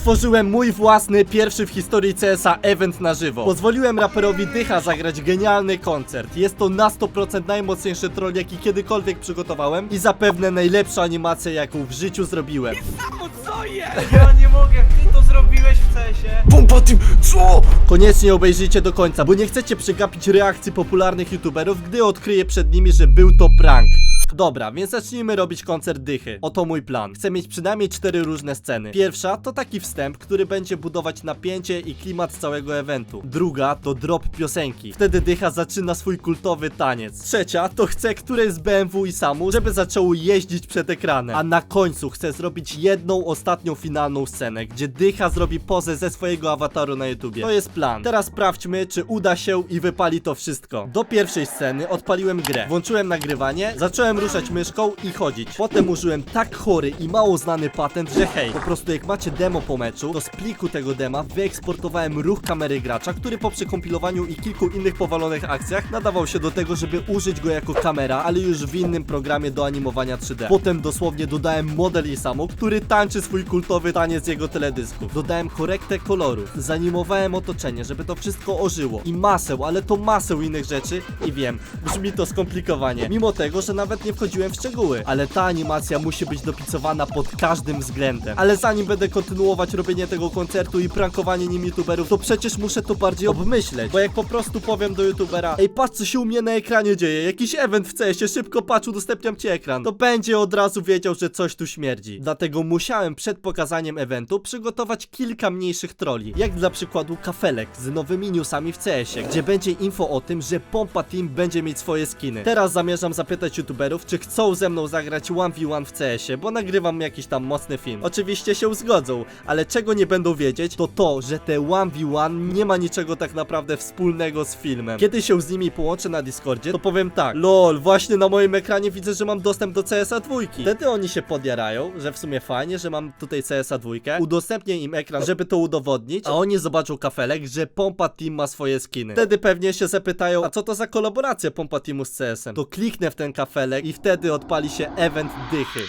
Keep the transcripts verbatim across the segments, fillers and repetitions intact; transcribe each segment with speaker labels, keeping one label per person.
Speaker 1: stworzyłem mój własny, pierwszy w historii C S a event na żywo. Pozwoliłem raperowi Dycha zagrać genialny koncert. Jest to na sto procent najmocniejszy troll, jaki kiedykolwiek przygotowałem i zapewne najlepsza animacja, jaką w życiu zrobiłem.
Speaker 2: No co jest? Ja nie mogę, jak ty to zrobiłeś w cesie.
Speaker 3: Pompa Team, co?
Speaker 1: Koniecznie obejrzyjcie do końca, bo nie chcecie przegapić reakcji popularnych youtuberów, gdy odkryję przed nimi, że był to prank. Dobra, więc zacznijmy robić koncert Dychy. Oto mój plan. Chcę mieć przynajmniej cztery różne sceny. Pierwsza to taki wstęp, który będzie budować napięcie i klimat całego eventu. Druga to drop piosenki. Wtedy Dycha zaczyna swój kultowy taniec. Trzecia to chcę któreś z B M W i Samu, żeby zaczęło jeździć przed ekranem. A na końcu chcę zrobić jedną ostatnią finalną scenę, gdzie Dycha zrobi pozę ze swojego awataru na YouTubie. To jest plan. Teraz sprawdźmy, czy uda się i wypali to wszystko. Do pierwszej sceny odpaliłem grę. Włączyłem nagrywanie, zacząłem ruszać myszką i chodzić. Potem użyłem tak chory i mało znany patent, że hej, po prostu jak macie demo po meczu, to z pliku tego dema wyeksportowałem ruch kamery gracza, który po przekompilowaniu i kilku innych powalonych akcjach nadawał się do tego, żeby użyć go jako kamera, ale już w innym programie do animowania trzy D. Potem dosłownie dodałem model Isamu, który tańczy swój kultowy taniec jego teledysków. Dodałem korektę kolorów, zanimowałem otoczenie, żeby to wszystko ożyło i maseł, ale to maseł innych rzeczy i wiem, brzmi to skomplikowanie, mimo tego, że nawet nie wchodziłem w szczegóły, ale ta animacja musi być dopicowana pod każdym względem. Ale zanim będę kontynuować robienie tego koncertu i prankowanie nim youtuberów, to przecież muszę to bardziej obmyśleć, bo jak po prostu powiem do youtubera: ej, patrz co się u mnie na ekranie dzieje, jakiś event w C S ie, szybko patrz, udostępniam ci ekran, to będzie od razu wiedział, że coś tu śmierdzi. Dlatego musiałem przed pokazaniem eventu przygotować kilka mniejszych trolli, jak dla przykładu kafelek z nowymi newsami w C S ie, gdzie będzie info o tym, że Pompa Team będzie mieć swoje skiny. Teraz zamierzam zapytać youtuberów, czy chcą ze mną zagrać jeden na jeden w C S ie, bo nagrywam jakiś tam mocny film. Oczywiście się zgodzą, ale czego nie będą wiedzieć, to to, że te jeden na jeden nie ma niczego tak naprawdę wspólnego z filmem. Kiedy się z nimi połączę na Discordzie, to powiem tak: lol, właśnie na moim ekranie widzę, że mam dostęp do C S a dwójki. Wtedy oni się podjarają, że w sumie fajnie, że mam tutaj C S a dwójkę. Udostępnię im ekran, żeby to udowodnić, a oni zobaczą kafelek, że Pompa Team ma swoje skiny. Wtedy pewnie się zapytają: a co to za kolaboracja Pompa Teamu z C S em? To kliknę w ten kafelek i wtedy odpali się event Dychy.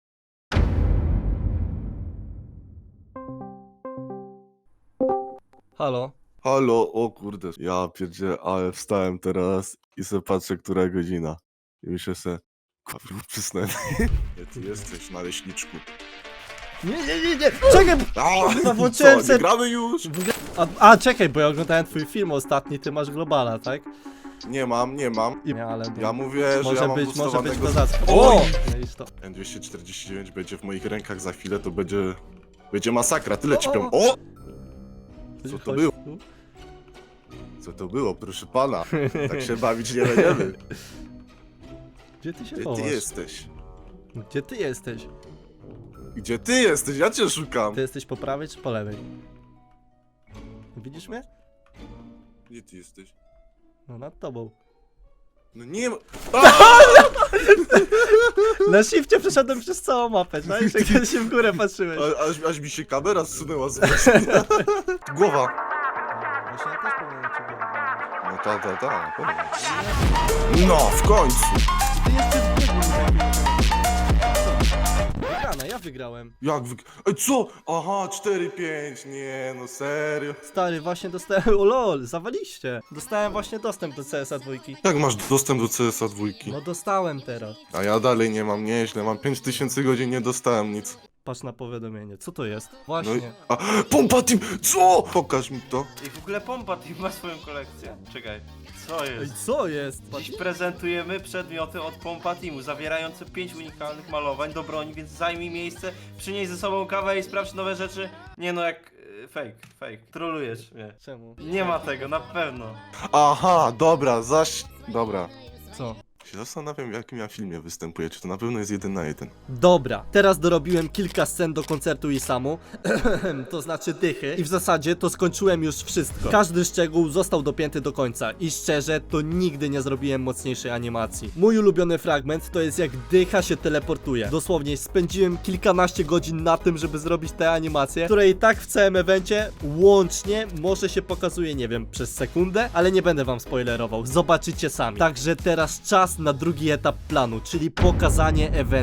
Speaker 1: Halo?
Speaker 3: Halo, o kurde, ja pierdzie, ale wstałem teraz i se patrzę, która godzina. I myślę se, kurwa, przysnę. Gdzie ty jesteś, naleśniczku?
Speaker 1: Nie, nie, nie, nie! Czekaj!
Speaker 3: A,
Speaker 1: Chyba włączyłem
Speaker 3: co,
Speaker 1: se-
Speaker 3: nie gramy już?
Speaker 1: A, a czekaj, bo ja oglądałem twój film ostatni, ty masz globala, tak?
Speaker 3: Nie mam, nie mam.
Speaker 1: I, nie, ale
Speaker 3: Ja mówię, że
Speaker 1: może
Speaker 3: ja mam
Speaker 1: być, może być
Speaker 3: boostowanego-
Speaker 1: kozacko.
Speaker 3: Oj!
Speaker 1: No i to.
Speaker 3: N dwieście czterdzieści dziewięć będzie w moich rękach za chwilę, to będzie... Będzie masakra, tyle ci
Speaker 1: O,
Speaker 3: powiem.
Speaker 1: o,
Speaker 3: O! Co to było? Co to było, proszę pana? Tak się bawić nie będziemy.
Speaker 1: Gdzie ty się
Speaker 3: Gdzie
Speaker 1: chowasz?
Speaker 3: ty jesteś?
Speaker 1: Gdzie ty jesteś?
Speaker 3: Gdzie ty jesteś? Ja cię szukam.
Speaker 1: Ty jesteś po prawej czy po lewej? Widzisz mnie?
Speaker 3: Gdzie ty jesteś?
Speaker 1: No nad tobą.
Speaker 3: No nie ma...
Speaker 1: Na shifcie przeszedłem przez całą mapę, tak? Jak kiedy się w górę patrzyłeś.
Speaker 3: A, aż, aż mi się kamera zsunęła z myślenia. Głowa.
Speaker 1: Właśnie ja też powinienem cię go wybrać.
Speaker 3: No ta, ta, ta, pewnie. No, w końcu.
Speaker 1: Ty jeszcze zbiegł. Wygrana, ja wygrałem.
Speaker 3: Jak wy... Ej, co? Aha, cztery pięć. Nie, no serio.
Speaker 1: Stary, właśnie dostałem... O lol, zawaliście. Dostałem właśnie dostęp do C S a dwójki.
Speaker 3: Jak masz dostęp do C S a dwójki?
Speaker 1: No dostałem teraz.
Speaker 3: A ja dalej nie mam, nieźle. Mam pięć tysięcy godzin, nie dostałem nic.
Speaker 1: Patrz na powiadomienie. Co to jest?
Speaker 3: No i...
Speaker 1: Właśnie.
Speaker 3: A, Pompa Team! Co? Pokaż mi to.
Speaker 2: I w ogóle Pompa Team ma swoją kolekcję. Czekaj, co
Speaker 1: Ej,
Speaker 2: jest?
Speaker 1: co jest?
Speaker 2: Dziś prezentujemy przedmioty od Pompa Teamu, zawierające pięć unikalnych malowań do broni, więc zajmij miejsce, przynieś ze sobą kawę i sprawdź nowe rzeczy. Nie no, jak... y, fake, fake. Trolujesz mnie.
Speaker 1: Czemu?
Speaker 2: Nie ma tego, na pewno.
Speaker 3: Aha, dobra, zaś... Dobra.
Speaker 1: Co?
Speaker 3: Się zastanawiam, w jakim ja filmie występuję. Czy to na pewno jest jeden na jeden?
Speaker 1: Dobra, teraz dorobiłem kilka scen do koncertu Isamu, to znaczy Dychy, i w zasadzie to skończyłem już wszystko. Każdy szczegół został dopięty do końca i szczerze, to nigdy nie zrobiłem mocniejszej animacji. Mój ulubiony fragment to jest jak Dycha się teleportuje. Dosłownie spędziłem kilkanaście godzin na tym, żeby zrobić tę animację, której i tak w całym evencie łącznie może się pokazuje, nie wiem, przez sekundę, ale nie będę wam spoilerował, zobaczycie sami. Także teraz czas na drugi etap planu, czyli pokazanie eventu.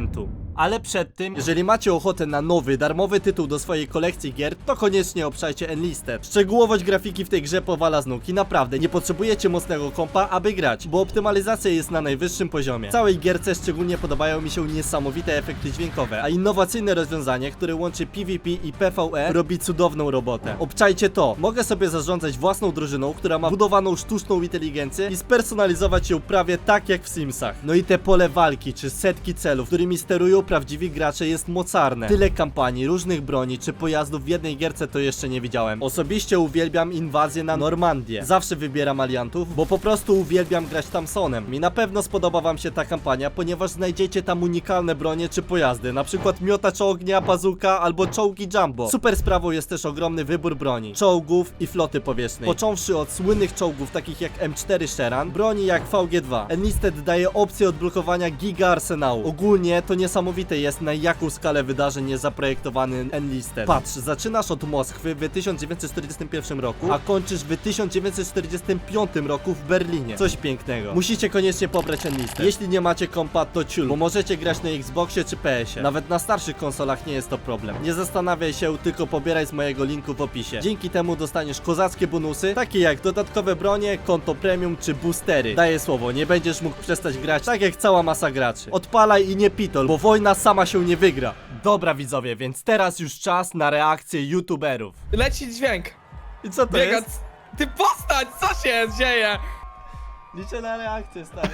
Speaker 1: Ale przed tym, jeżeli macie ochotę na nowy, darmowy tytuł do swojej kolekcji gier, to koniecznie obszajcie Enlisted. Szczegółowość grafiki w tej grze powala z nóg i naprawdę nie potrzebujecie mocnego kompa, aby grać, bo optymalizacja jest na najwyższym poziomie. W całej gierce szczególnie podobają mi się niesamowite efekty dźwiękowe, a innowacyjne rozwiązanie, które łączy PvP i PvE, robi cudowną robotę. Obczajcie to, mogę sobie zarządzać własną drużyną, która ma budowaną sztuczną inteligencję i spersonalizować ją prawie tak jak w Simsach. No i te pole walki, czy setki celów, którymi sterują prawdziwi gracze, jest mocarne. Tyle kampanii, różnych broni czy pojazdów w jednej gierce to jeszcze nie widziałem. Osobiście uwielbiam inwazję na Normandię. Zawsze wybieram aliantów, bo po prostu uwielbiam grać Thompsonem. I na pewno spodoba wam się ta kampania, ponieważ znajdziecie tam unikalne bronie czy pojazdy, na przykład miotacz ognia, bazuka albo czołgi Jumbo. Super sprawą jest też ogromny wybór broni, czołgów i floty powietrznej. Począwszy od słynnych czołgów takich jak M cztery Sheran, broni jak V G dwa. Enlisted daje opcję odblokowania giga arsenału. Ogólnie to niesamowite jest, na jaką skalę wydarzeń jest zaprojektowany Enlisted. Patrz, zaczynasz od Moskwy w tysiąc dziewięćset czterdziestym pierwszym roku, a kończysz w tysiąc dziewięćset czterdziestym piątym roku w Berlinie. Coś pięknego. Musicie koniecznie pobrać Enlisted. Jeśli nie macie kompa, to ciul, bo możecie grać na Xboxie czy P S ie. Nawet na starszych konsolach nie jest to problem. Nie zastanawiaj się, tylko pobieraj z mojego linku w opisie. Dzięki temu dostaniesz kozackie bonusy, takie jak dodatkowe bronie, konto premium czy boostery. Daję słowo, nie będziesz mógł przestać grać tak jak cała masa graczy. Odpalaj i nie pitol, bo wojna sama się nie wygra. Dobra widzowie, więc teraz już czas na reakcję youtuberów.
Speaker 4: Leci dźwięk.
Speaker 1: I co to
Speaker 4: Biega.
Speaker 1: jest?
Speaker 4: Ty postać, co się dzieje?
Speaker 1: Liczę na reakcję, stary.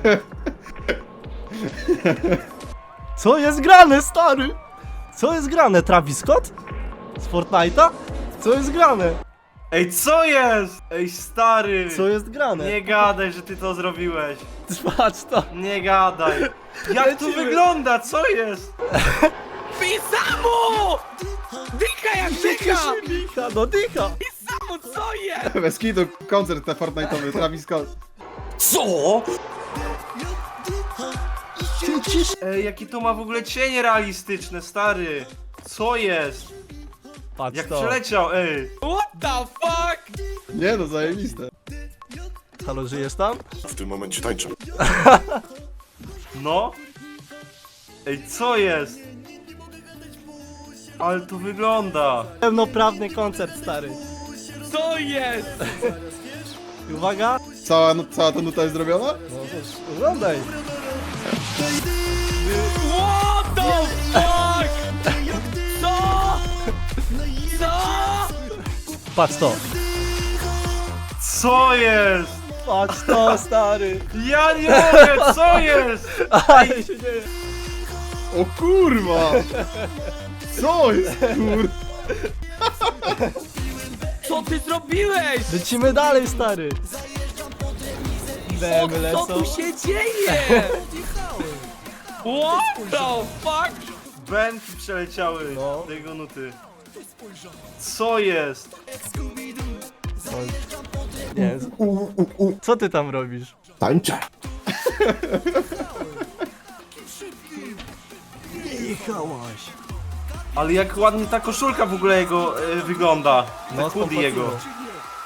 Speaker 1: Co jest grane, stary? Co jest grane? Travis Scott? Z Fortnite'a? Co jest grane?
Speaker 2: Ej, co jest? Ej, stary!
Speaker 1: Co jest grane?
Speaker 2: Nie gadaj, że ty to zrobiłeś.
Speaker 1: Patrz to.
Speaker 2: Nie gadaj. Jak to
Speaker 1: Lecimy.
Speaker 2: wygląda? Co jest?
Speaker 4: Pisamu! Dycha jak dycha!
Speaker 1: Dycha, no dycha.
Speaker 4: Pisamu, co jest?
Speaker 5: Bez kitu, koncert na Fortnite'owy, Travis Scott.
Speaker 2: Co? Ej, jakie to ma w ogóle cienie realistyczne, stary. Co jest?
Speaker 1: Patrz
Speaker 2: Jak
Speaker 1: to.
Speaker 2: przeleciał, ej.
Speaker 4: What the fuck?
Speaker 5: Nie no, zajebiste.
Speaker 1: Halo, żyjesz tam?
Speaker 3: W tym momencie tańczę.
Speaker 2: No. Ej, co jest? Ale to wygląda.
Speaker 1: Pełnoprawny koncert, stary.
Speaker 4: Co jest?
Speaker 1: I uwaga.
Speaker 5: Cała, no, cała ta nuta jest zrobiona?
Speaker 1: No to oglądaj.
Speaker 4: What the fuck? Co? Co?
Speaker 1: Patrz to.
Speaker 2: Co jest?
Speaker 1: Patrz to, stary.
Speaker 2: Ja nie mogę, co jest?
Speaker 1: Ale się dzieje.
Speaker 5: O kurwa! Co jest kur...
Speaker 4: Co ty zrobiłeś?
Speaker 1: Lecimy dalej, stary.
Speaker 4: O,
Speaker 1: Demy
Speaker 4: co
Speaker 1: lecą.
Speaker 4: tu się dzieje? What the fuck?
Speaker 2: Bęki przeleciały
Speaker 1: No.
Speaker 2: tego nuty. Co jest?
Speaker 1: Nie. Co ty tam robisz?
Speaker 5: Tańczę.
Speaker 1: Jechałaś.
Speaker 2: Ale jak ładnie ta koszulka w ogóle jego e, wygląda.
Speaker 1: No,
Speaker 2: No, hoodie jego.
Speaker 1: spoko.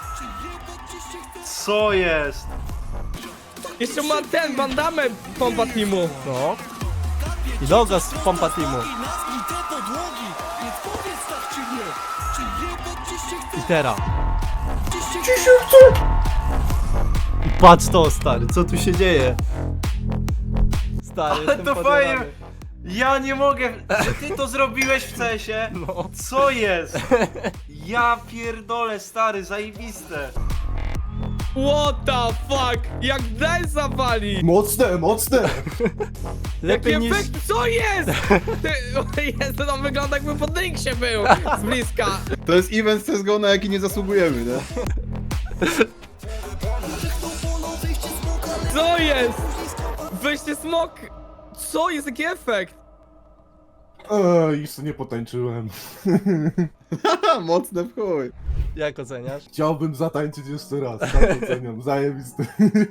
Speaker 2: Co jest?
Speaker 4: Jeszcze ma ten bandamę pompa teamu.
Speaker 1: No. I logo z Pompa Teamu. I teraz. I patrz to, stary, co tu się dzieje? Stary,
Speaker 2: Ale
Speaker 1: jestem
Speaker 2: to
Speaker 1: podjarany.
Speaker 2: fajnie. Ja nie mogę, że ty to zrobiłeś w cesie.
Speaker 1: No.
Speaker 2: Co jest? Ja pierdolę, stary, zajebiste.
Speaker 4: What the fuck? Jak daj zawali?
Speaker 5: Mocne, mocne!
Speaker 1: Lepiej
Speaker 4: Jakie
Speaker 1: niż...
Speaker 4: efekt, co jest? Ty, o Jezu, to wygląda jakby po Dynksie był z bliska.
Speaker 5: To jest event C S G O, na jaki nie zasługujemy, nie?
Speaker 4: Co jest? Weźcie smok. Co jest, jaki efekt?
Speaker 6: Eee, jeszcze nie potańczyłem.
Speaker 5: Haha, mocne w chuj.
Speaker 1: Jak oceniasz?
Speaker 6: Chciałbym zatańczyć jeszcze raz, tak oceniam, zajebisty.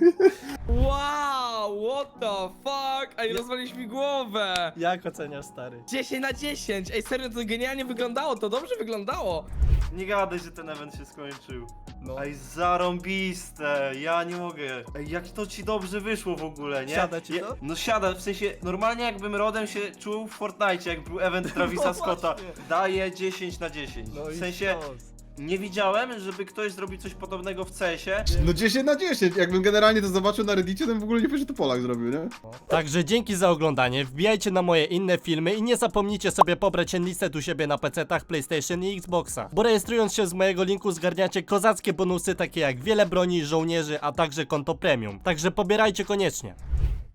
Speaker 4: Wow, what the fuck? Ej, rozwaliłeś mi głowę.
Speaker 1: Jak oceniasz, stary?
Speaker 4: dziesięć na dziesięć. Ej, serio, to genialnie wyglądało, to dobrze wyglądało.
Speaker 2: Nie gadaj, że ten event się skończył.
Speaker 1: No.
Speaker 2: Ej, zarąbiste, ja nie mogę. Ej, jak to ci dobrze wyszło w ogóle, nie?
Speaker 1: Siada ci
Speaker 2: Ja-
Speaker 1: to?
Speaker 2: No siada, w sensie, normalnie jakbym rodem się czuł w Fortnite, jak był event Travisa
Speaker 1: No
Speaker 2: Scotta.
Speaker 1: właśnie.
Speaker 2: Daję dziesięć na dziesięć.
Speaker 1: No
Speaker 2: w
Speaker 1: i
Speaker 2: sensie,
Speaker 1: sztos.
Speaker 2: nie widziałem, żeby ktoś zrobił coś podobnego w C S ie.
Speaker 5: No dziesięć na dziesięć, jakbym generalnie to zobaczył na Reddicie, to bym w ogóle nie powiedział, że to Polak zrobił, nie?
Speaker 1: Także dzięki za oglądanie, wbijajcie na moje inne filmy i nie zapomnijcie sobie pobrać Enlisted u siebie na pecetach, PlayStation i Xboxa. Bo rejestrując się z mojego linku zgarniacie kozackie bonusy takie jak wiele broni, żołnierzy, a także konto premium. Także pobierajcie koniecznie.